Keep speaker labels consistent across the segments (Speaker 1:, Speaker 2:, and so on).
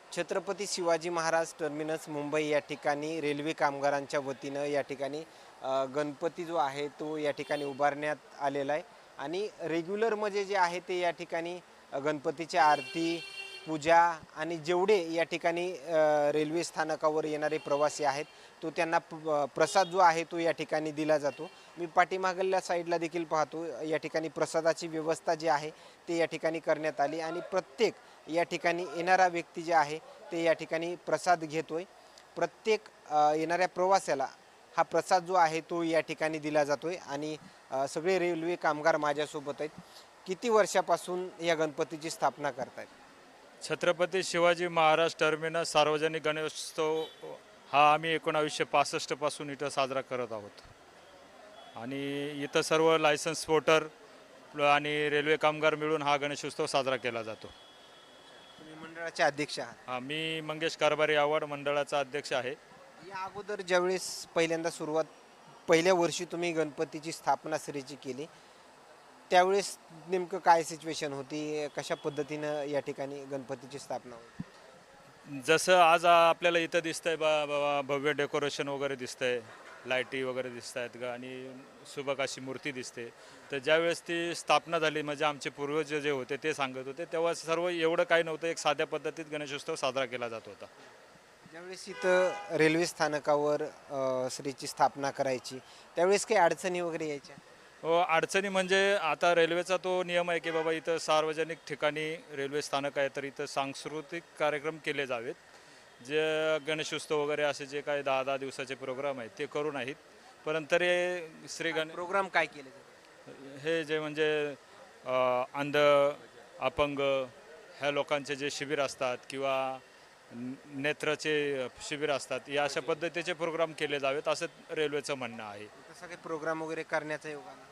Speaker 1: Chhatrapati Shivaji Maharaj terminus Mumbai या ठिकाणी railway कामगारांच्या वतीनं या ठिकाणी गणपती जो आहे तो या ठिकाणी उभारण्यात आलेला आहे आणि रेग्युलरमध्ये जे आहे ते या ठिकाणी गणपतीची आरती पूजा आणि जेवढे या ठिकाणी रेल्वे स्थानकावर येणारे प्रवासी आहेत तो त्यांना प्रसाद जो आहे तो या ठिकाणी दिला जातो. मी पाठीमागल्या साईडला देखील पाहतो या ठिकाणी प्रसादाची व्यवस्था जी आहे ते या ठिकाणी करण्यात आली आणि प्रत्येक या ठिकाणी येणारा व्यक्ती जे आहे ते या ठिकाणी प्रसाद घेतोय. प्रत्येक येणाऱ्या प्रवाशाला हा प्रसाद जो आहे तो या ठिकाणी दिला जातोय आणि सगळे रेल्वे कामगार माझ्यासोबत आहेत. किती वर्षापासून या गणपतीची स्थापना करतायत?
Speaker 2: छत्रपती शिवाजी महाराज टर्मिनस सार्वजनिक गणेशोत्सव हा आम्ही 1965 पासून इथं साजरा करत आहोत आणि इथं सर्व लायसन्स वोटर आणि रेल्वे कामगार मिळून हा गणेशोत्सव साजरा केला जातो.
Speaker 1: तुम्ही मंडळाचे अध्यक्ष आहात.
Speaker 2: हा, मी मंगेश कारभारी आव्हाड मंडळाचा अध्यक्ष आहे.
Speaker 1: या अगोदर ज्यावेळेस पहिल्यांदा पहिल्या वर्षी तुम्ही गणपतीची स्थापना श्रीची केली त्यावेळेस नेमकं काय सिच्युएशन होती, कशा पद्धतीनं या ठिकाणी गणपतीची स्थापना होती?
Speaker 2: जसं आज आपल्याला इथं दिसतंय भव्य डेकोरेशन वगैरे दिसतंय, लाईटी वगैरे दिसत आहेत ग आणि सुबक अशी मूर्ती दिसते. तर ज्यावेळेस ती स्थापना झाली म्हणजे आमचे पूर्वज जे होते ते सांगत होते तेव्हा सर्व एवढं काही नव्हतं, एक साध्या पद्धतीत गणेशोत्सव साजरा केला जात होता.
Speaker 1: ज्यावेळेस इथं रेल्वे स्थानकावर श्रीची स्थापना करायची त्यावेळेस काही अडचणी वगैरे यायच्या?
Speaker 2: हो, अडचणी म्हणजे आता रेल्वेचा तो नियम आहे की बाबा इथं सार्वजनिक ठिकाणी रेल्वे स्थानक आहे तर इथं सांस्कृतिक कार्यक्रम केले जावेत. जे गणेशोत्सव वगैरे असे जे काही 10-10 दिवसाचे प्रोग्राम आहेत ते करू नाहीत. परंतु तरी
Speaker 1: प्रोग्राम काय केले जातात?
Speaker 2: हे जे म्हणजे अंध अपंग ह्या लोकांचे जे शिबिर असतात किंवा नेत्राचे शिबिर असतात या अशा पद्धतीचे प्रोग्राम केले जावेत असं रेल्वेचं म्हणणं आहे.
Speaker 1: तसं काही प्रोग्राम वगैरे करण्याचा योग आला?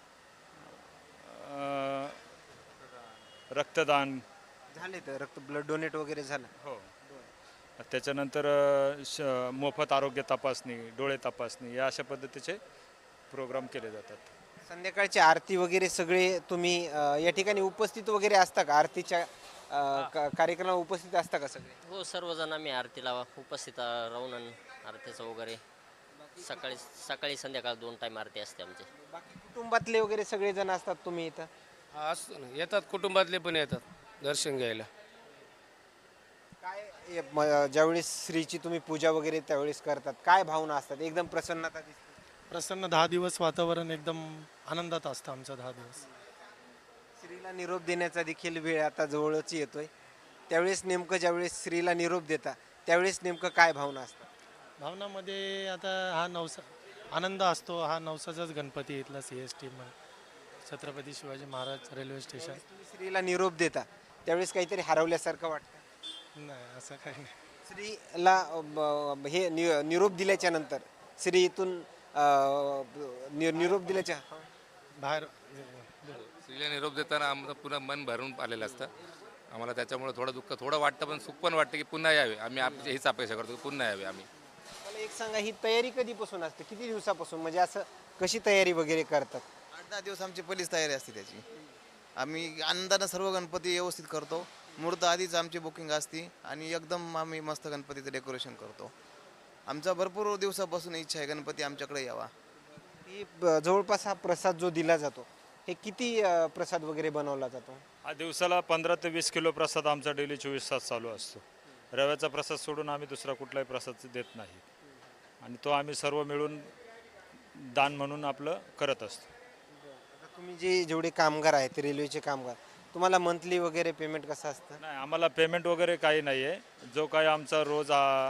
Speaker 2: रक्तदान
Speaker 1: झाले तर रक्त ब्लड डोनेट वगैरे झालं?
Speaker 2: हो. त्याच्यानंतर मोफत आरोग्य तपासणी, डोळे तपासणी या अशा पद्धतीचे प्रोग्राम केले जातात.
Speaker 1: संध्याकाळची आरती वगैरे सगळे तुम्ही या ठिकाणी उपस्थित वगैरे असता का? आरतीच्या कार्यक्रमाला उपस्थित असता का सगळे?
Speaker 3: हो, सर्वजण आम्ही आरतीला उपस्थित राहून आरतीचं वगैरे सकाळी सकाळी संध्याकाळ 2 टाईम आरती असते आमची.
Speaker 1: बाकी कुटुंबातले वगैरे सगळे जण असतात तुम्ही इथं?
Speaker 4: हा असतो ना, येतात कुटुंबातले पण येतात दर्शन घ्यायला.
Speaker 1: काय ज्यावेळेस श्रीची तुम्ही पूजा वगैरे त्यावेळेस करतात काय भावना असतात? एकदम प्रसन्नता दिसते.
Speaker 5: प्रसन्न 10 दिवस वातावरण एकदम आनंदात असतं आमचं 10 दिवस.
Speaker 1: श्रीला निरोप देण्याचा देखील वेळ आता जवळच येतोय. त्यावेळेस नेमकं ज्यावेळेस श्रीला निरोप देता त्यावेळेस नेमकं काय भावना असतात?
Speaker 5: भावनामध्ये आता हा नवसा आनंद असतो. हा नवसाचाच गणपती इथला CST Chhatrapati Shivaji Maharaj railway station.
Speaker 1: तुम्ही श्रीला निरोप देता त्यावेळेस काहीतरी हरवल्यासारखं वाटतं?
Speaker 5: नाही, असं काही नाही.
Speaker 1: श्रीला हे निरोप दिल्याच्या नंतर श्री इथून निरोप दिल्याच्या
Speaker 5: बाहेर
Speaker 6: स्त्रीला निरोप देताना आमचं पुन्हा मन भरून आलेलं असतं. आम्हाला त्याच्यामुळे थोडं दुःख थोडं वाटतं पण सुख पण वाटतं की पुन्हा यावे. आम्ही हीच अपेक्षा करतो की पुन्हा यावे आम्ही.
Speaker 1: मला एक सांगा, ही तयारी कधीपासून असते, किती दिवसापासून, म्हणजे असं कशी तयारी वगैरे करतात?
Speaker 7: 8-10 दिवस आमची पहिलीच तयारी असते त्याची. आम्ही आनंदानं सर्व गणपती व्यवस्थित करतो. मुहूर्त आधीच आमची बुकिंग असते आणि एकदम आम्ही मस्त गणपतीचं डेकोरेशन करतो. आमचा भरपूर दिवसापासून इच्छा आहे गणपती आमच्याकडे यावा.
Speaker 1: ही जवळपास हा प्रसाद जो दिला जातो हे किती प्रसाद वगैरे बनवला जातो?
Speaker 2: हा दिवसाला 15 ते 20 किलो प्रसाद आमचा डेली 24 तास चालू असतो. रव्याचा प्रसाद सोडून आम्ही दुसरा कुठलाही प्रसाद देत नाही आणि तो आम्ही सर्व मिळून दान म्हणून आपलं करत असतो.
Speaker 1: आता तुम्ही जेवढे कामगार आहेत रेल्वेचे कामगार, तुम्हाला मंथली वगैरे पेमेंट कसं असतं?
Speaker 2: नाही, आम्हाला पेमेंट वगैरे काही नाही आहे. जो काही आमचा रोज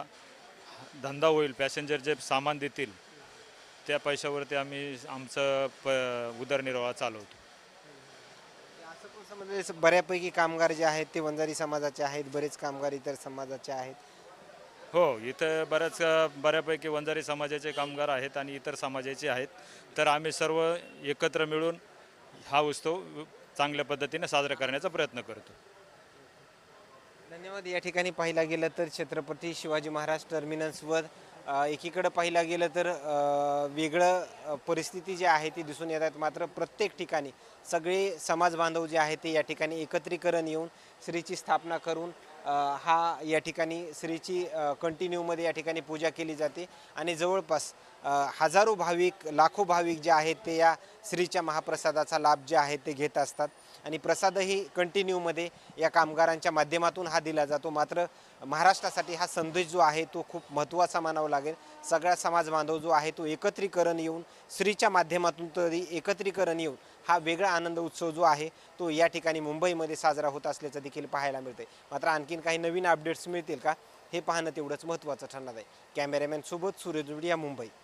Speaker 2: धंदा होईल, पॅसेंजर जे सामान देतील त्या पैशावरती आम्ही आमचं उदरनिर्वाह चालवतो.
Speaker 1: असं पण समजले बऱ्यापैकी कामगार जे आहेत ते वंजारी समाजाचे आहेत, बरेच कामगार इतर समाजाचे आहेत.
Speaker 2: हो, इथं बऱ्यापैकी वंजारी समाजाचे कामगार आहेत आणि इतर समाजाचे आहेत. तर आम्ही सर्व एकत्र मिळून हा उत्सव चांगल्या पद्धतीने साजरा करण्याचा प्रयत्न करतो.
Speaker 1: धन्यवाद. या ठिकाणी पाहिला गेलं तर छत्रपती शिवाजी महाराज टर्मिनसवर एकीकडं पाहिला गेलं तर वेगळं परिस्थिती जी आहे ती दिसून येतात. मात्र प्रत्येक ठिकाणी सगळे समाज बांधव जे आहेत ते या ठिकाणी एकत्रीकरण येऊन श्रीची स्थापना करून हा या ठिकाणी श्रीची कंटिन्यूमध्ये या ठिकाणी पूजा केली जाते आणि जवळपास हजारो भाविक लाखो भाविक जे आहेत ते या श्रीच्या महाप्रसादाचा लाभ जे आहे ते घेत असतात आणि प्रसादही कंटिन्यूमध्ये या कामगारांच्या माध्यमातून हा दिला जातो. मात्र महाराष्ट्रासाठी हा संदेश जो आहे तो खूप महत्त्वाचा मानावा लागेल. सगळा समाज बांधव जो आहे तो एकत्रीकरण येऊन श्रीच्या माध्यमातून तरी एकत्रीकरण येऊन हा वेगळा आनंद उत्सव जो आहे तो या ठिकाणी मुंबईमध्ये साजरा होत असल्याचं देखील पाहायला मिळते. मात्र आणखीन काही नवीन अपडेट्स मिळतील का हे पाहणं तेवढंच महत्त्वाचं ठरणार आहे. कॅमेरामॅन सोबत सूर्यदुर्डिया, मुंबई.